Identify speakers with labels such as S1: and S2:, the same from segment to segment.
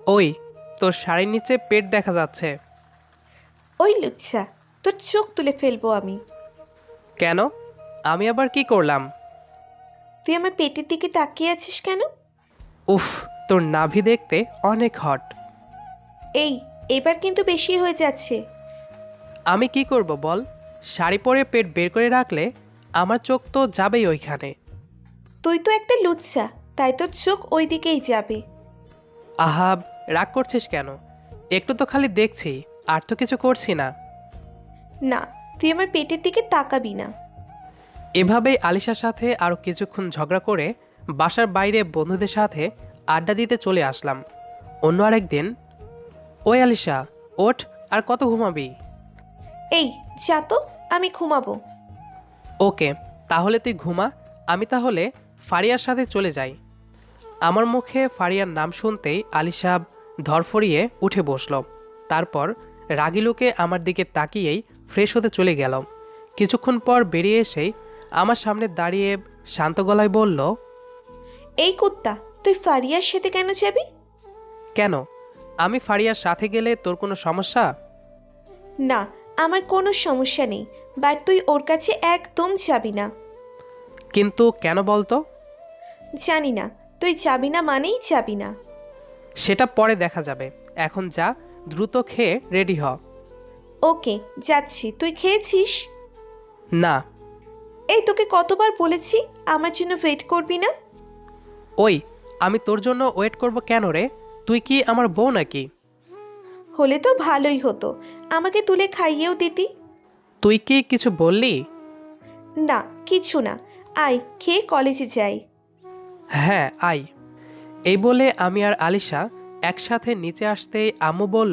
S1: ওই, তোর শাড়ির নিচে পেট দেখা যাচ্ছে।
S2: ওই লুচ্ছা, তোর চোখ তুলে ফেলবো আমি।
S1: কেন? আমি আবার কি করলাম?
S2: তুই আমার পেটের দিকে তাকিয়ে আছিস কেন?
S1: উফ, তোর নাভি দেখতে অনেক হট।
S2: এই, এবার কিন্তু বেশি হয়ে যাচ্ছে।
S1: আমি কি করব বল? শাড়ি পরে পেট বের করে রাখলে আমার চোখ তো যাবেই ওইখানে।
S2: তুই তো একটা লুচ্ছা, তাই তোর চোখ ওই দিকেই যাবে।
S1: আহাব, রাগ করছিস কেন? একটু তো খালি দেখছি, আর তো কিছু করছি না।
S2: না, তুই আমার পেটের দিকে তাকাবি না।
S1: এভাবেই আলিশার সাথে আরও কিছুক্ষণ ঝগড়া করে বাসার বাইরে বন্ধুদের সাথে আড্ডা দিতে চলে আসলাম। অন্য আরেকদিন, ওই আলিশা, ওঠ, আর কত ঘুমাবি?
S2: এই, যা তো, আমি ঘুমাবো।
S1: ওকে, তাহলে তুই ঘুমা। আমি তাহলে ফারিয়ার সাথে চলে যাই। আমার মুখে ফারিয়ার নাম শুনতেই আলিশা ধরফরিয়ে উঠে বসল। তারপর রাগী লোকে আমার দিকে তাকিয়েই ফ্রেশ হতে চলে গেল। কিছুক্ষণ পর বেরিয়ে এসেই আমার সামনে দাঁড়িয়ে শান্ত গলায় বলল,
S2: এই কুত্তা, তুই ফারিয়ার সাথে কেন যাবি?
S1: কেন? আমি ফারিয়ার সাথে গেলে তোর কোনো সমস্যা?
S2: না, আমার কোনো সমস্যা নেই, বাট তুই ওর কাছে একদম যাবি না।
S1: কিন্তু কেন বলতো?
S2: জানি না, তুই যাবি না মানেই যাবি না।
S1: সেটা পরে দেখা যাবে। এখন যা, দ্রুত খেয়ে রেডি হ।
S2: ওকে, যাচ্ছি। তুই খেয়েছিস?
S1: না।
S2: এই, তোকে কতবার বলেছি আমার জন্য ওয়েট করবি না?
S1: ওই, আমি তোর জন্য ওয়েট করব কেন রে? তুই কি আমার বউ নাকি?
S2: হলে তো ভালোই হতো, আমাকে তুলে খাইয়েও দিতি।
S1: তুই কি কিছু বললি?
S2: না, কিছু না। আয়, খেয়ে কলেজে যাই।
S1: হ্যাঁ, আই। এই বলে আমি আর আলিশা একসাথে নিচে আসতেই আম্মু বলল,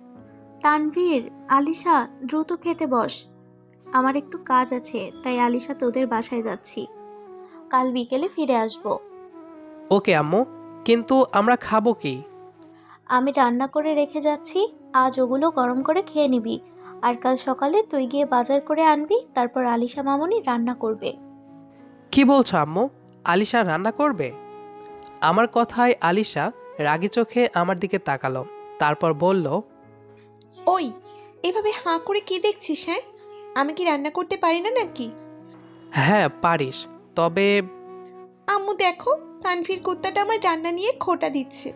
S3: তানভীর, আলিশা, দ্রুত খেতে বস। আমার একটু কাজ আছে, তাই আলিশা তোদের বাসায় যাচ্ছি। কাল বিকেলে ফিরে আসব।
S1: ওকে আম্মু, কিন্তু আমরা খাবো কি?
S3: আমি রান্না করে রেখে যাচ্ছি, আজ ওগুলো গরম করে খেয়ে নিবি। আর কাল সকালে তুই গিয়ে বাজার করে আনবি, তারপর আলিশা মামুনি রান্না করবে।
S1: কি বলছো আম্মু? আলিশা রান্না করবে? আমার কথায় আলিশা রাগী চোখে আমার দিকে তাকালো। তারপর বলল,
S2: ওই, এভাবে হাঁ করে কি দেখছিস? হ্যাঁ, আমি কি রান্না করতে পারি না নাকি?
S1: হ্যাঁ পারিস, তবে।
S2: আম্মু দেখো, তানভীর কুত্তাটা আমার রান্না নিয়ে খোঁটা দিচ্ছে।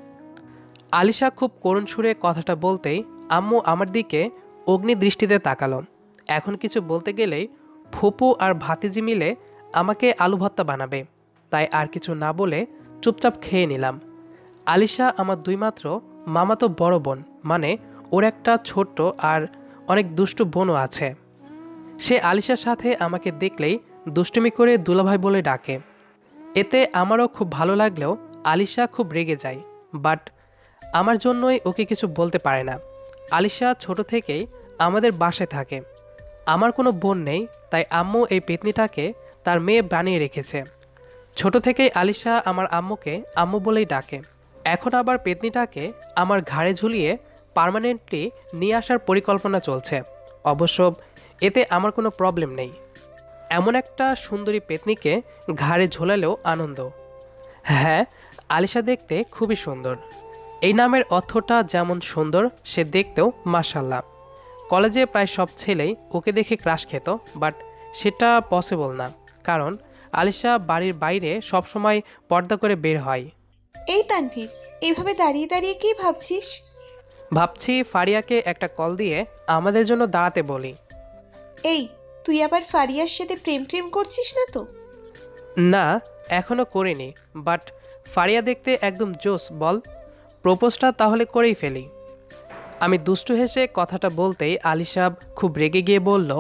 S1: আলিশা খুব করুণ সুরে কথাটা বলতেই আম্মু আমার দিকে অগ্নি দৃষ্টিতে তাকালো। এখন কিছু বলতে গেলেই ফুপু আর ভাতিজি মিলে আমাকে আলু ভর্তা বানাবে, তাই আর কিছু না বলে চুপচাপ খেয়ে নিলাম। আলিশা আমার দুই মাত্র মামাতো বড় বোন, মানে ওর একটা ছোট্ট আর অনেক দুষ্টু বোনও আছে। সে আলিশার সাথে আমাকে দেখলেই দুষ্টুমি করে দুলাভাই বলে ডাকে। এতে আমারও খুব ভালো লাগলেও আলিশা খুব রেগে যায়। বাট আমার জন্যই ওকে কিছু বলতে পারে না। আলিশা ছোট থেকেই আমাদের বাসায় থাকে। আমার কোনো বোন নেই, তাই আম্মু এই পেতনিটাকে তার মেয়ে বানিয়ে রেখেছে। ছোট থেকেই আলিশা আমার আম্মুকে আম্মু বলেই ডাকে। এখন আবার পেতনিটাকে আমার ঘাড়ে ঝুলিয়ে পার্মানেন্টলি নিয়ে আসার পরিকল্পনা চলছে। অবশ্য এতে আমার কোনো প্রবলেম নেই। এমন একটা সুন্দরী পেতনিকে ঘাড়ে ঝোলালেও আনন্দ। হ্যাঁ, আলিশা দেখতে খুবই সুন্দর। এই নামের অর্থটা যেমন সুন্দর, সে দেখতেও মাশাল্লাহ। কলেজে প্রায় সব ছেলেই ওকে দেখে ক্রাশ খেত, বাট সেটা পসিবল না, কারণ আলিশা বাড়ির বাইরে সবসময় পর্দা করে বের হয়।
S2: এই তানভীর, এভাবে দাঁড়িয়ে দাঁড়িয়ে কি ভাবছিস?
S1: ভাবছি ফারিয়াকে একটা কল দিয়ে আমাদের জন্য দাঁড়াতে বলি।
S2: এই, তুই আবার ফারিয়ার সাথে প্রেম প্রেম করছিস না তো?
S1: না, এখনও করিনি, বাট ফারিয়া দেখতে একদম জোস বল। প্রপোজটা তাহলে করেই ফেলি। আমি দুষ্টু হেসে কথাটা বলতেই আলিশা খুব রেগে গিয়ে বলল,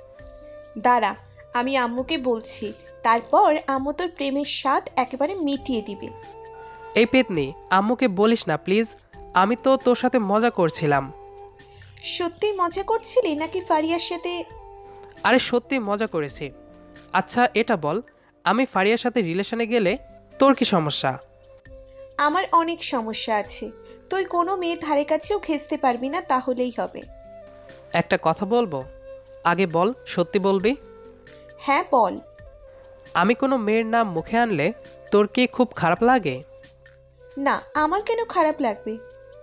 S2: দাঁড়া, আমি আম্মুকে বলছি, তারপর আম্মু তোর প্রেমের স্বাদ একেবারে মিটিয়ে দিবে।
S1: এই পেতনি, আম্মুকে বলিস না প্লিজ। আমি তো তোর সাথে মজা করছিলাম।
S2: সত্যি মজা করছিলি নাকি ফারিয়ার সাথে?
S1: আরে সত্যি মজা করেছি। আচ্ছা এটা বল, আমি ফারিয়ার সাথে রিলেশনে গেলে তোর কি সমস্যা?
S2: আমার অনেক সমস্যা আছে। তুই কোনো মেয়ের ধারে কাছেও ঘেঁচতে পারবি না, তাহলেই হবে।
S1: একটা কথা বলবো? আগে বল, সত্যি বলবি?
S2: হ্যাঁ, বল।
S1: আমি কোনো মেয়ের নাম মুখে আনলে তোর কি খুব খারাপ লাগে?
S2: না, আমার কেন খারাপ লাগবে?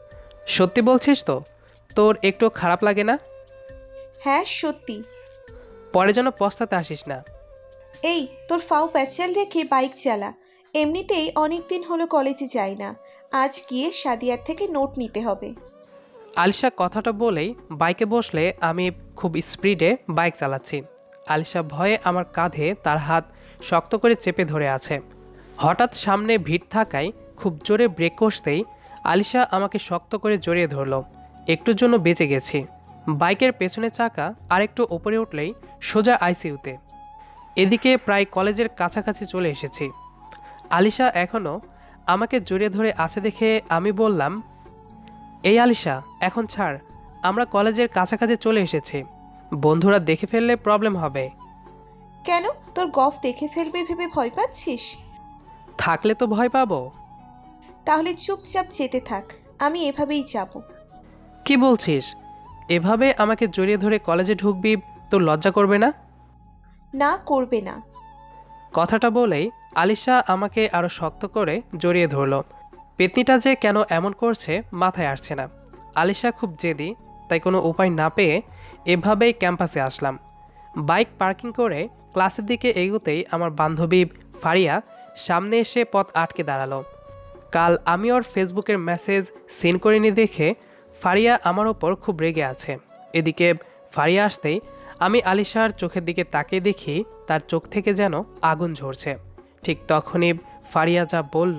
S1: সত্যি বলছিস তো? তোর একটু খারাপ লাগে না?
S2: হ্যাঁ সত্যি।
S1: পরে যেন পস্তাতে আসিস না।
S2: এই তোর ফাও প্যাচাল রেখে বাইক চালা। এমনিতেই অনেক দিন হলো কলেজে যাই না। আজ গিয়ে সাদিয়ার থেকে নোট নিতে হবে।
S1: আলিশা কথাটা বলেই বাইকে বসলে আমি খুব স্পিডে বাইক চালাচ্ছি। আলিশা ভয়ে আমার কাঁধে তার হাত শক্ত করে চেপে ধরে আছে। হঠাৎ সামনে ভিড় থাকায় খুব জোরে ব্রেক কষতেই আলিশা আমাকে শক্ত করে জড়িয়ে ধরলো। একটুর জন্য বেঁচে গেছি। বাইকের পেছনের চাকা আরেকটু ওপরে উঠলেই সোজা আইসিইউতে। এদিকে প্রায় কলেজের কাছাকাছি চলে এসেছি। আলিশা এখনও আমাকে জড়িয়ে ধরে আছে দেখে আমি বললাম, এই আলিশা, এখন ছাড়, আমরা কলেজের কাছাকাছি চলে এসেছি। বন্ধুরা দেখে ফেললে প্রবলেম হবে।
S2: কেন, তোর গফ দেখে ফেলবে ভেবে ভয় পাচ্ছিস?
S1: থাকলে তো ভয় পাবো।
S2: তাহলে চুপচাপ যেতে থাক, আমি এভাবেই যাব।
S1: কি বলছিস? এভাবে আমাকে জড়িয়ে ধরে কলেজে ঢুকবি? তোর লজ্জা করবে না?
S2: না, করবে না।
S1: কথাটা বলেই আলিশা আমাকে আরো শক্ত করে জড়িয়ে ধরলো। পেতনিটা যে কেন এমন করছে মাথায় আসছে না। আলিশা খুব জেদি, তাই কোনো উপায় না পেয়ে এভাবেই ক্যাম্পাসে আসলাম। বাইক পার্কিং করে ক্লাসের দিকে এগোতেই আমার বান্ধবী ফারিয়া সামনে এসে পথ আটকে দাঁড়ালো। কাল আমি ওর ফেসবুকের মেসেজ সিন করিনি দেখে ফারিয়া আমার ওপর খুব রেগে আছে। এদিকে ফারিয়া আসতেই আমি আলিশার চোখের দিকে তাকিয়ে দেখি তার চোখ থেকে যেন আগুন ঝরছে। ঠিক তখনই ফারিয়া যা বলল,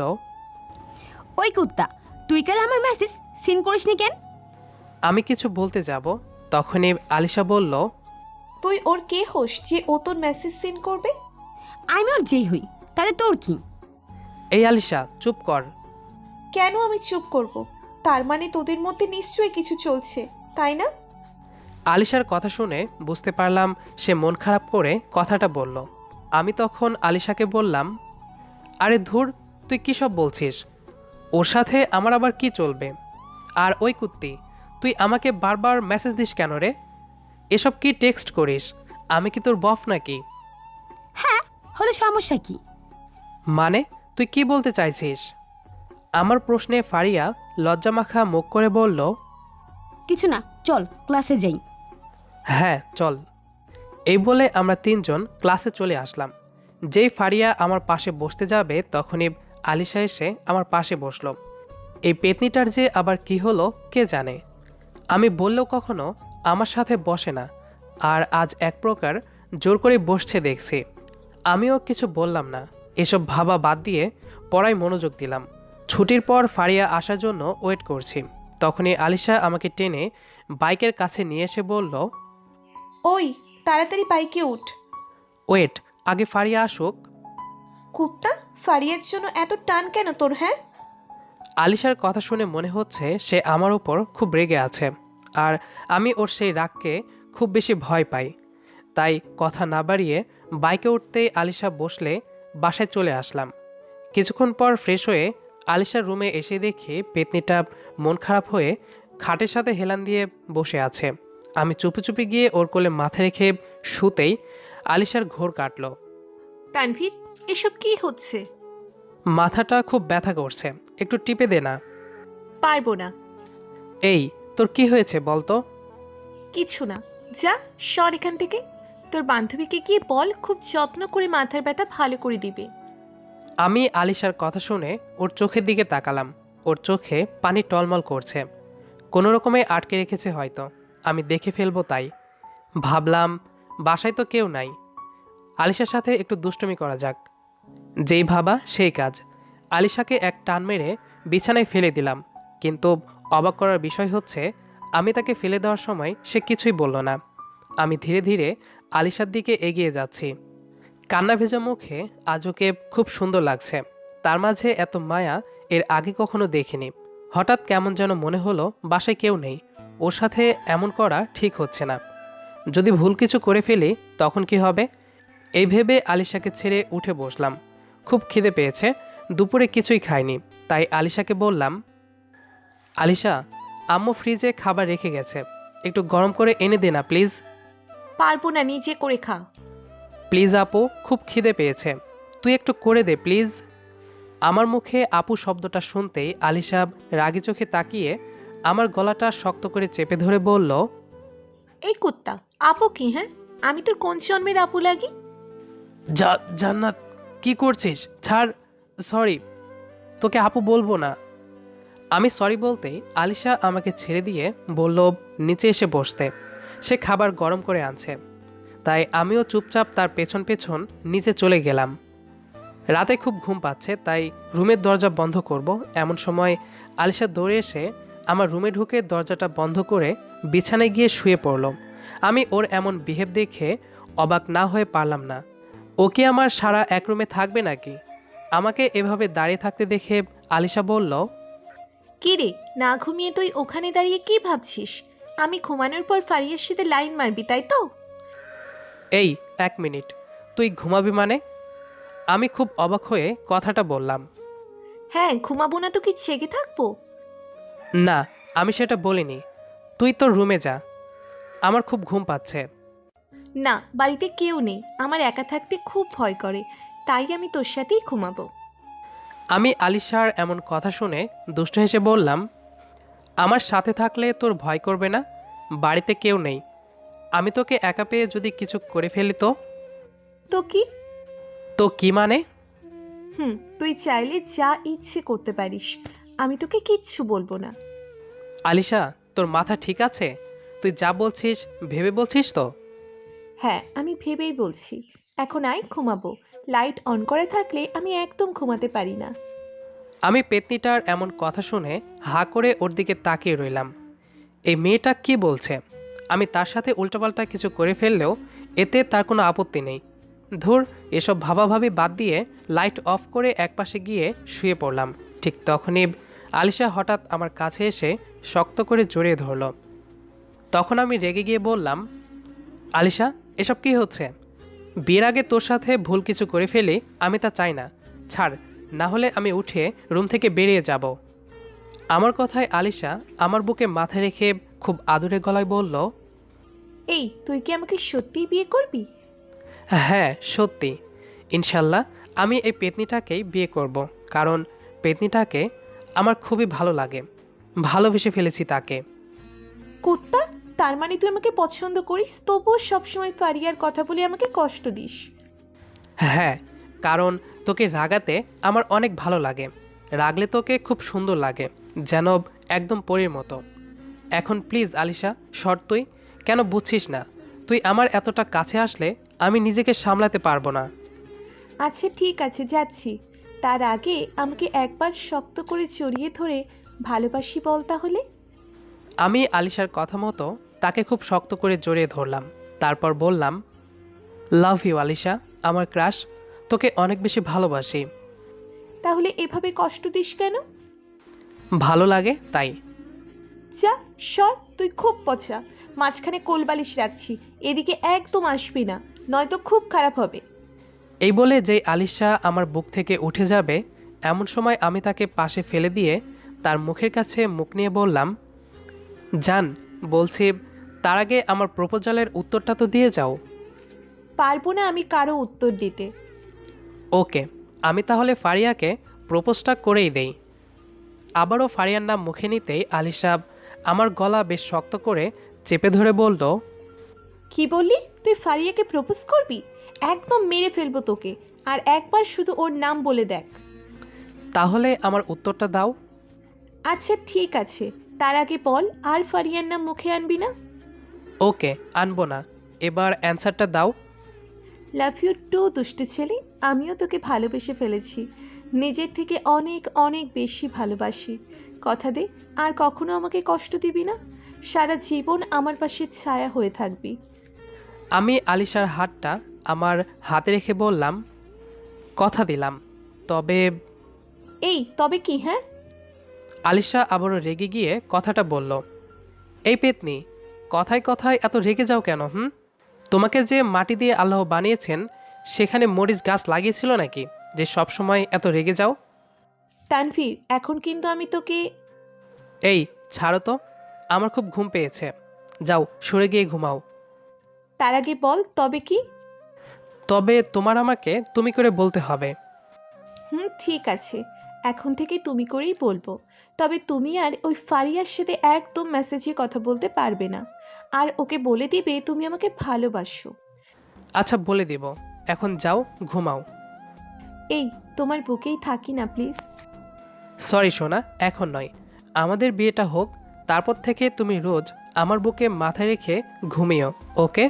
S4: ওই কুত্তা, তুই কাল আমার মেসেজ সিন করিসনি কেন?
S1: আমি কিছু বলতে যাব তখনই আলিশা বলল,
S2: তুই ওর কে হোস যে ও তোর মেসেজ সিন করবে?
S4: আমি ওর যেই হই, তাহলে তোর কি?
S1: এই আলিশা চুপ কর।
S2: কেন আমি চুপ করব? তার মানে তোদের মধ্যে নিশ্চয়ই কিছু চলছে, তাই না?
S1: আলিশার কথা শুনে বুঝতে পারলাম সে মন খারাপ করে কথাটা বলল। আমি তখন আলিশাকে বললাম, আরে ধুর, তুই কী সব বলছিস? ওর সাথে আমার আবার কি চলবে? আর ওই কুত্তি, তুই আমাকে বারবার মেসেজ দিস কেন রে? এসব কি টেক্সট করিস? আমি কি তোর বফ নাকি?
S4: হ্যাঁ, হলো সমস্যা কি?
S1: মানে তুই কি বলতে চাইছিস? আমার প্রশ্নে ফারিয়া লজ্জামাখা মুখ করে বলল,
S4: কিছু না, চল ক্লাসে যাই।
S1: হ্যাঁ চল। এই বলে আমরা তিনজন ক্লাসে চলে আসলাম। যেই ফারিয়া আমার পাশে বসতে যাবে তখনই আলিশা এসে আমার পাশে বসলো। এই পেতনিটার যে আবার কি হলো কে জানে। আমি বললেও কখনো আমার সাথে বসে না, আর আজ এক প্রকার জোর করে বসছে দেখছি। আমিও কিছু বললাম না, এসব ভাবা বাদ দিয়ে পড়ায় মনোযোগ দিলাম। ছুটির পর ফারিয়া আসার জন্য ওয়েট করছি। তখনই আলিশা আমাকে টেনে বাইকের কাছে নিয়ে এসে বলল,
S2: ওই, তাড়াতাড়ি বাইকে উঠ।
S1: ওয়েট, আগে ফারিয়া আসুক।
S2: কুত্তা, ফারিয়ার জন্য এত টান কেন তোর? হ্যাঁ,
S1: আলিশার কথা শুনে মনে হচ্ছে সে আমার উপর খুব রেগে আছে, আর আমি ওর সেই রাগকে খুব বেশি ভয় পাই। তাই কথা না বাড়িয়ে বাইকে উঠতেই আলিশা বসলে বাসায় চলে আসলাম। কিছুক্ষণ পর ফ্রেশ হয়ে আলিশার রুমে এসে দেখি পেতনিটা মন খারাপ হয়ে খাটের সাথে হেলান দিয়ে বসে আছে। আমি চুপি চুপি গিয়ে ওর কোলে মাথা রেখে শুতেই আলিশার ঘোর কাটল।
S5: তানভীর, এসব কি হচ্ছে?
S1: মাথাটা খুব ব্যথা করছে, একটু টিপে দে না।
S5: পারবো না।
S1: এই, তোর কি হয়েছে বলতো?
S5: কিছু না, যা সর এখান থেকে। তোর বান্ধবীকে গিয়ে বল খুব যত্ন করে মাথার ব্যথা ভালো করে দিবে।
S1: আমি আলিশার কথা শুনে ওর চোখের দিকে তাকালাম। ওর চোখে পানি টলমল করছে, কোনো রকমে আটকে রেখেছে হয়তো, আমি দেখে ফেলবো তাই। ভাবলাম বাসায় তো কেউ নাই, আলিশার সাথে একটু দুষ্টুমি করা যাক। যেই ভাবা সেই কাজ। আলিশাকে এক টান মেরে বিছানায় ফেলে দিলাম, কিন্তু অবাক করার বিষয় হচ্ছে আমি তাকে ফেলে দেওয়ার সময় সে কিছুই বলল না। আমি ধীরে ধীরে আলিশার দিকে এগিয়ে যাচ্ছি। কান্না ভেজা মুখে আজ ওকে খুব সুন্দর লাগছে। তার মাঝে এত মায়া এর আগে কখনো দেখিনি। হঠাৎ কেমন যেন মনে হলো বাসায় কেউ নেই, ওর সাথে এমন করা ঠিক হচ্ছে না। যদি ভুল কিছু করে ফেলি তখন কি হবে? এই ভেবে আলিশাকে ছেড়ে উঠে বসলাম। খুব খিদে পেয়েছে, দুপুরে কিছুই খাইনি, তাই আলিশাকে বললাম, আলিশা, আম্মু ফ্রিজে খাবার রেখে গেছে, একটু গরম করে এনে দে না প্লিজ।
S5: পারবো না, নিজে করে খা।
S1: প্লিজ আপু, খুব খিদে পেয়েছে, তুই একটু করে দে প্লিজ। আমার মুখে আপু শব্দটা শুনতেই আলিশা রাগি চোখে তাকিয়ে আমার গলাটা শক্ত করে চেপে ধরে বলল,
S5: এই কুত্তা, আপু কি? হ্যাঁ, আমি তোর কোন জন্মের আপু লাগি?
S1: জান্নাত, কি করছিস? ছাড়। সরি, তোকে আপু বলবো না। আমি সরি বলতেই আলিশা আমাকে ছেড়ে দিয়ে বলল নিচে এসে বসতে। সে খাবার গরম করে আনছে, তাই আমিও চুপচাপ তার পেছন পেছন নিচে চলে গেলাম। রাতে খুব ঘুম পাচ্ছে, তাই রুমের দরজা বন্ধ করব এমন সময় আলিশা দৌড়ে এসে আমার রুমে ঢুকে দরজাটা বন্ধ করে বিছানায় গিয়ে শুয়ে পড়ল। আমি ওর এমন বিহেভ দেখে অবাক না হয়ে পারলাম না। ও কি আমার সারা এক রুমে থাকবে নাকি? আমাকে এভাবে দাঁড়িয়ে থাকতে দেখে আলিশা বলল,
S5: কি রে, না ঘুমিয়ে তুই ওখানে দাঁড়িয়ে কি ভাবছিস? আমি ঘুমানোর পর ফারিয়ার সাথে লাইন মারবি, তাই তো?
S1: এই 1 মিনিট, তুই ঘুমাবি মানে? আমি খুব অবাক হয়ে কথাটা বললাম।
S5: হ্যাঁ, ঘুমাবো না তো কি জেগে থাকবো?
S1: না, আমি সেটা বলিনি। তুই তোর রুমে যা, আমার খুব ঘুম পাচ্ছে।
S5: না, বাড়িতে কেউ নেই, আমার একা থাকতে খুব ভয় করে, তাই আমি তোর সাথেই ঘুমাবো।
S1: আমি আলিশার এমন কথা শুনে দুষ্ট হেসে বললাম, আমার সাথে থাকলে তোর ভয় করবে না? বাড়িতে কেউ নেই, আমি তোকে একা পেয়ে যদি কিছু করে ফেলি তো?
S5: তো কি?
S1: তো কি মানে?
S5: তুই চাইলে যা ইচ্ছে করতে পারিস, আমি তোকে কিচ্ছু বলবো না।
S1: আলিশা, তোর মাথা ঠিক আছে? তুই যা বলছিস ভেবে বলছিস তো?
S5: হ্যাঁ, আমি ভেবেই বলছি। এখন আয়, ঘুমাবো। লাইট অন করে থাকলে আমি একদম ঘুমাতে পারি না।
S1: আমি পেতনিটার এমন কথা শুনে হা করে ওর দিকে তাকিয়ে রইলাম। এই মেয়েটা কি বলছে? আমি তার সাথে উল্টোপাল্টা কিছু করে ফেললেও এতে তার কোনো আপত্তি নেই। ধুর, এসব ভাবাভাবি বাদ দিয়ে লাইট অফ করে একপাশে গিয়ে শুয়ে পড়লাম। ঠিক তখনই আলিশা হঠাৎ আমার কাছে এসে শক্ত করে জড়িয়ে ধরল। তখন আমি রেগে গিয়ে বললাম, আলিশা, এসব কি হচ্ছে? বিয়ের আগে তোর সাথে ভুল কিছু করে ফেলি, আমি তা চাই না। ছাড়, না হলে আমি উঠে রুম থেকে বেরিয়ে যাব। আমার কথায় আলিশা আমার বুকে মাথা রেখে খুব আদুরে গলায় বলল,
S5: এই, তুই কি আমাকে সত্যিই বিয়ে করবি?
S1: হ্যাঁ সত্যি, ইনশাল্লাহ আমি এই পেতনিটাকেই বিয়ে করব, কারণ পেতনিটাকে আমার খুবই ভালো লাগে। ভালোবেসে ফেলেছি তাকে।
S5: কুত্তা, তার মানে তুই আমাকে পছন্দ করিস, তবুও সবসময় ফারিয়ার কথা বলে আমাকে কষ্ট দিস?
S1: হ্যাঁ, কারণ তোকে রাগাতে আমার অনেক ভালো লাগে। রাগলে তোকে খুব সুন্দর লাগে, যেন একদম পরীর মতো। এখন প্লিজ আলিশা, সর। তুই কেন বুঝছিস না? তুই আমার এতটা কাছে আসলে আমি নিজেকে সামলাতে পারবো না।
S5: আচ্ছা ঠিক আছে, যাচ্ছি। তার আগে আমাকে একবার শক্ত করে জড়িয়ে ধরে ভালোবাসি বল তাহলে।
S1: আমি আলিশার কথা মতো তাকে খুব শক্ত করে জড়িয়ে ধরলাম। তারপর বললাম, লাভ ইউ আলিশা, আমার ক্রাশ। তোকে অনেক বেশি ভালোবাসি।
S5: তাহলে এভাবে কষ্ট দিস কেন?
S1: ভালো লাগে তাই।
S5: যা, সর, তুই খুব পচা। মাঝখানে কোলবালিশ রাখছি, এদিকে একদম আসবি না, নয়তো খুব খারাপ হবে।
S1: এই বলে যে আলিশা আমার বুক থেকে উঠে যাবে, এমন সময় আমি তাকে পাশে ফেলে দিয়ে তার মুখের কাছে মুখ নিয়ে বললাম, জান, বলছি তার আগে আমার প্রপোজালের উত্তরটা তো দিয়ে যাও।
S5: পারবো না আমি কারো উত্তর দিতে।
S1: ওকে, আমি তাহলে ফারিয়াকে প্রপোজটা করেই দেই। আবারও ফারিয়ার নাম মুখে নিতেই আলিশা আমার গলা বেশ শক্ত করে চেপে ধরে বলল,
S5: কি বললি? তুই ফারিয়াকে প্রপোজ করবি? একদম মেরে ফেলবো তোকে। আর একবার শুধু ওর নাম বলে দেখ।
S1: তাহলে আমার উত্তরটা দাও।
S5: আচ্ছা ঠিক আছে, তার আগে বল, আর ফারিয়ার নাম মুখে আনবি না?
S1: ওকে, আনবো না। এবার অ্যান্সারটা দাও।
S5: লাভ ইউ টু দুষ্টু ছেলে, আমিও তোকে ভালোবেসে ফেলেছি। নিজের থেকে অনেক অনেক বেশি ভালোবাসি। কথা দে, আর কখনো আমাকে কষ্ট দিবি না। সারা জীবন আমার পাশে ছায়া হয়ে থাকবি।
S1: আমি আলিশার হাতটা আমার হাতে রেখে বললাম, কথা দিলাম। তবে
S5: এই তবে কি? হ্যাঁ,
S1: আলিশা আবারও রেগে গিয়ে কথাটা বলল, এই পেতনি, কথায় কথায় এত রেগে যাও কেন? তোমাকে যে মাটি দিয়ে আল্লাহ বানিয়েছেন, সেখানে মরিচ গাছ লাগিয়েছিল নাকি যে সব সময় এত রেগে যাও?
S5: তানভীর, এখন কিন্তু আমি তোকে...
S1: এই ছাড়ো তো, আমার খুব ঘুম পেয়েছে। যাও, সরে গিয়ে ঘুমাও।
S5: তার আগে বল, তবে কি?
S1: তবে তোমার আমাকে তুমি করে বলতে হবে।
S5: ঠিক আছে, এখন থেকে তুমি করেই বলবো। তবে তুমি আর ওই ফারিয়ার সাথে একদম মেসেজে কথা বলতে পারবে না, আর ওকে বলে দিবে তুমি আমাকে ভালোবাসো।
S1: আচ্ছা বলে দিব, এখন যাও ঘুমাও।
S5: এই তোমার বুকেই থাকি না প্লিজ।
S1: সরি সোনা, এখন নয়, আমাদের বিয়েটা হোক, তারপর থেকে তুমি রোজ আমার বুকে মাথায় রেখে ঘুমিও, ওকে?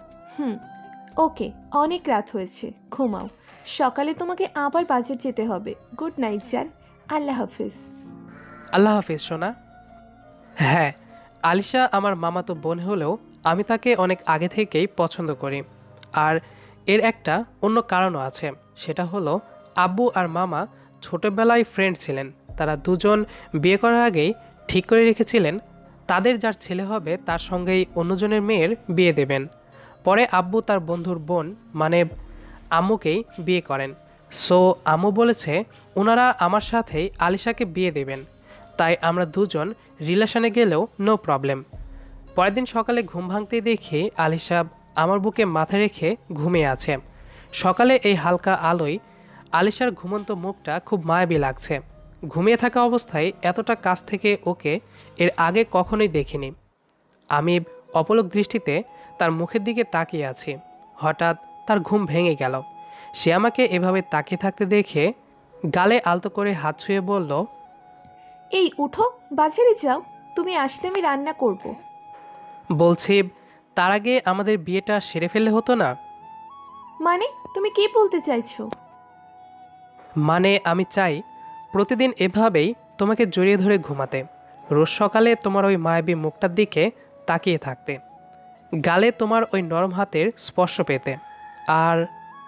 S5: ওকে, অনেক রাত হয়েছে, ঘুমাও। সকালে তোমাকে আবার বাজার যেতে হবে। গুড নাইট জান, আল্লাহ হাফিজ।
S1: আল্লাহ হাফিজ সোনা। হ্যাঁ, আলিশা আমার মামাতো বোন হলেও আমি তাকে অনেক আগে থেকেই পছন্দ করি। আর এর একটা অন্য কারণও আছে, সেটা হলো আব্বু আর মামা ছোটবেলায় ফ্রেন্ড ছিলেন। তারা দুজন বিয়ে করার আগেই ঠিক করে রেখেছিলেন তাদের যার ছেলে হবে তার সঙ্গেই অন্যজনের মেয়ের বিয়ে দেবেন। পরে আব্বু তার বন্ধুর বোন মানে আম্মুকেই বিয়ে করেন। সো আম্মু বলেছে ওনারা আমার সাথেই আলিশাকে বিয়ে দেবেন, তাই আমরা দুজন রিলেশনে গেলেও নো প্রবলেম। পরের দিন সকালে ঘুম ভাঙতেই দেখি আলিশা আমার বুকে মাথা রেখে ঘুমিয়ে আছে। সকালে এই হালকা আলোয় আলিশার ঘুমন্ত মুখটা খুব মায়াবী লাগছে। ঘুমিয়ে থাকা অবস্থায় এতটা কাছ থেকে ওকে এর আগে কখনোই দেখিনি। আমি অপলক দৃষ্টিতে তার মুখের দিকে তাকিয়ে আছি। হঠাৎ তার ঘুম ভেঙে গেল। সে আমাকে এভাবে তাকিয়ে থাকতে দেখে গালে আলতো করে হাত ছুঁয়ে বলল,
S5: এই উঠো, বাজারে যাও, তুমি আসলে আমি রান্না করব।
S1: বলছি তার আগে আমাদের বিয়েটা সেরে ফেললে হতো না?
S5: মানে তুমি কি বলতে চাইছো?
S1: মানে আমি চাই প্রতিদিন এভাবেই তোমাকে জড়িয়ে ধরে ঘুমাতে, রোজ সকালে তোমার ওই মায়াবী মুখটার দিকে তাকিয়ে থাকতে, গালে তোমার ওই নরম হাতের স্পর্শ পেতে। আর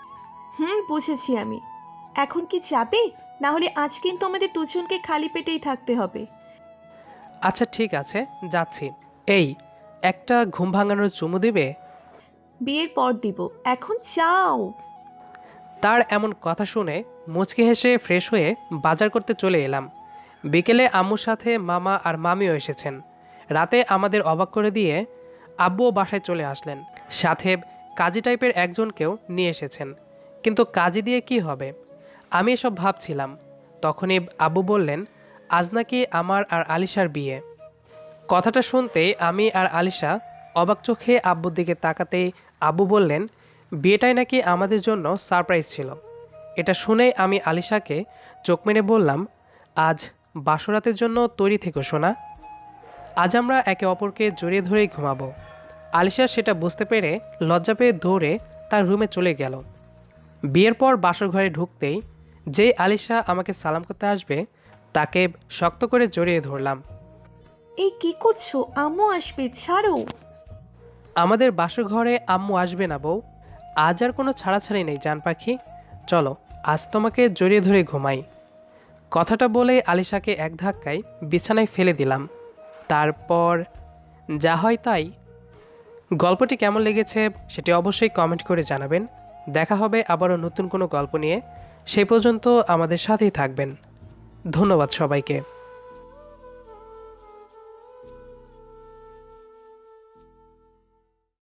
S5: বুঝেছি আমি। এখন কি যাবে? না হলে আজ কিন্তু আমাদের দুজনকে খালি পেটেই থাকতে হবে।
S1: আচ্ছা ঠিক আছে, যাচ্ছি। এই একটা ঘুম ভাঙানোর চুমু দিবে?
S5: বিয়ের পর দিব, এখন যাও।
S1: তার এমন কথা শুনে মুচকি হেসে ফ্রেশ হয়ে বাজার করতে চলে এলাম। বিকেলে আম্মুর সাথে মামা আর মামিও এসেছেন। রাতে আমাদের অবাক করে দিয়ে আব্বুও বাসায় চলে আসলেন। সাথে কাজী টাইপের একজনকেও নিয়ে এসেছেন। কিন্তু কাজী দিয়ে কি হবে, আমি এসব ভাবছিলাম। তখনই আব্বু বললেন আজ নাকি আমার আর আলিশার বিয়ে। কথাটা শুনতেই আমি আর আলিশা অবাক চোখে আব্বুর দিকে তাকাতেই আব্বু বললেন বিয়েটাই নাকি আমাদের জন্য সারপ্রাইজ ছিল। এটা শুনেই আমি আলিশাকে চোখ মেরে বললাম, আজ বাসরাতের জন্য তৈরি থেকো সোনা, আজ আমরা একে অপরকে জড়িয়ে ধরেই ঘুমাবো। আলিশা সেটা বুঝতে পেরে লজ্জা পেয়ে দৌড়ে তার রুমে চলে গেল। বিয়ের পর বাসর ঘরে ঢুকতেই যেই আলিশা আমাকে সালাম করতে আসবে তাকে শক্ত করে জড়িয়ে ধরলাম।
S5: এই কি করছো? আম্মু আসবে, ছাড়ো।
S1: আমাদের বাসর ঘরে আম্মু আসবে না বউ, আজ আর কোনো ছাড়াছাড়ি নেই জান পাখি, চলো আজ তোমাকে জড়িয়ে ধরে ঘুমাই। কথাটা বলে আলিশাকে এক ধাক্কায় বিছানায় ফেলে দিলাম। তারপর যা হয় তাই। গল্পটি কেমন লেগেছে সেটি অবশ্যই কমেন্ট করে জানাবেন। দেখা হবে আবারও নতুন কোনো গল্প নিয়ে। সেই পর্যন্ত আমাদের সাথেই থাকবেন। ধন্যবাদ সবাইকে।